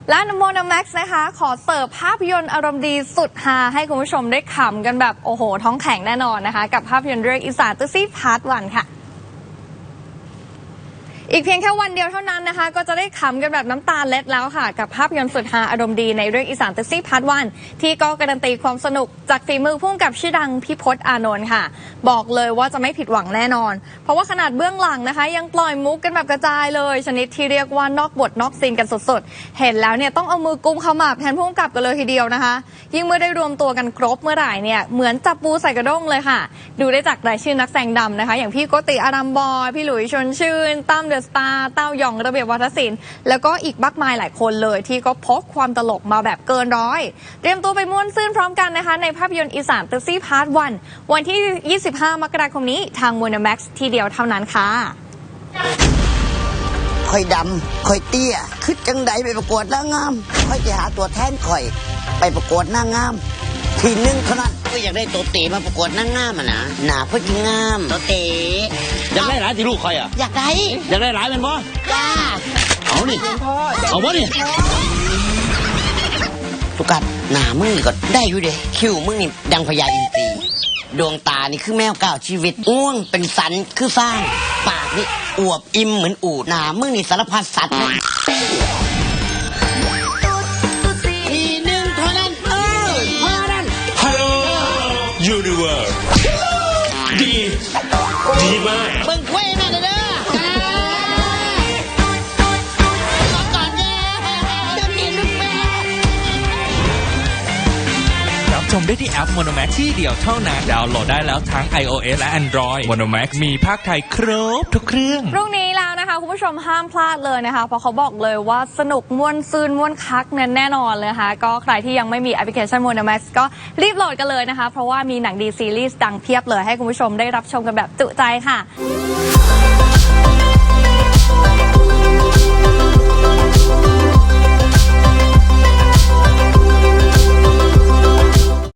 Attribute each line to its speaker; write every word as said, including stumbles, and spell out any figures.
Speaker 1: และโมโนแม็กซ์นะคะขอเสิร์ฟภาพยนตร์อารมณ์ดีสุดฮาให้คุณผู้ชมได้ขำกันแบบโอ้โหท้องแข็งแน่นอนนะคะกับภาพยนตร์เรื่องอีสานตุซี่พาร์ทวันค่ะอีกเพียงแค่วันเดียวเท่านั้นนะคะก็จะได้ขำกันแบบน้ำตาเล็ดแล้วค่ะกับภาพยนตร์สุดฮาอารมณ์ดีในเรื่องอีสานตุซี่พาร์ทวันที่ก็การันตีความสนุกจากฝีมือผู้กำกับชื่อดังพี่พจน์อานนท์ค่ะบอกเลยว่าจะไม่ผิดหวังแน่นอนเพราะว่าขนาดเบื้องหลังนะคะยังปล่อยมุกกันแบบกระจายเลยชนิดที่เรียกว่านอกบทนอกซีนกันสุดๆเห็นแล้วเนี่ยต้องเอามือกุมขมับแทนผู้กำกับกันเลยทีเดียวนะคะยิ่งเมื่อได้รวมตัวกันครบเมื่อไหร่เนี่ยเหมือนจับปูใส่กระด้งเลยค่ะดูได้จากรายชื่อนักแสดงดำนะคะอย่างพี่โกติอารัมบอยพี่หลุยชวนชื่นตั้มเดอะสตาร์เต้ายองระเบียบวัฒนศิลป์แล้วก็อีกมากมายหลายคนเลยที่ก็พกความตลกมาแบบเกินร้อยเตรียมตัวไปม่วนซื่นพร้อมกันนะคะในภาพยนตร์อีสานตุซี่พาร์ทวันวันที่ยี่สิบห้ามกราคมนี้ทางโมโนแม็กซ์ทีเดียวเท่านั้นค่ะ
Speaker 2: ค่อยดำค่อยเตี้ยคือจังใดไปประกวดนางงามค่อยจะหาตัวแทนค่อยไปประกวดนางงามทีหนึ่งเท่านั้นก็อยากได้ตัวเต๋มาประกวดนางงามอ่ะนะหนาเพื่อกินงามตัวเต๋
Speaker 3: อยากได้หลายที่ลูกคอยอ่ะ
Speaker 2: อยากได้
Speaker 3: อยากได้หลายเป็นบ่
Speaker 2: จ้า
Speaker 3: เอานี่เอาบ่นี่
Speaker 2: ตุกัดหนามึงนี่ก็ได้อยู่เด้คิ้วมึงนี่ดังพญาอินทรีดวงตานี่คือแมวเก่าชีวิตง่วงเป็นสันคือสร้างปากนี่อวบอิ่มเหมือนอูดหนามึงนี่สารพัดสัตว์ทีหนึ่งเท่านั้นเออเท่านั้น
Speaker 3: ฮัลโหลยูนิเวิร์สดีดีมาก
Speaker 2: เบิ่งเว้ยนั่นเด้อก่อนเด้อจะมีลูกแม่
Speaker 4: รับชมได้ที่แอป Monomax ที่เดียวเท่านั้นดาวน์โหลดได้แล้วทั้ง iOS และ Android Monomax มีภาคไทยครบทุกเครื่อง
Speaker 1: พรุ่งนี้แล้วนะคะคุณผู้ชมห้ามพลาดเลยนะคะเพราะเขาบอกเลยว่าสนุกม่วนซื่นม่วนคักแน่แน่นอนเลยนะคะก็ใครที่ยังไม่มีแอปพลิเคชัน Monomax ก็รีบโหลดกันเลยนะคะเพราะว่ามีหนังดีซีรีส์ดังเพียบเลยให้คุณผู้ชมได้รับชมกันแบบจุใจค่ะ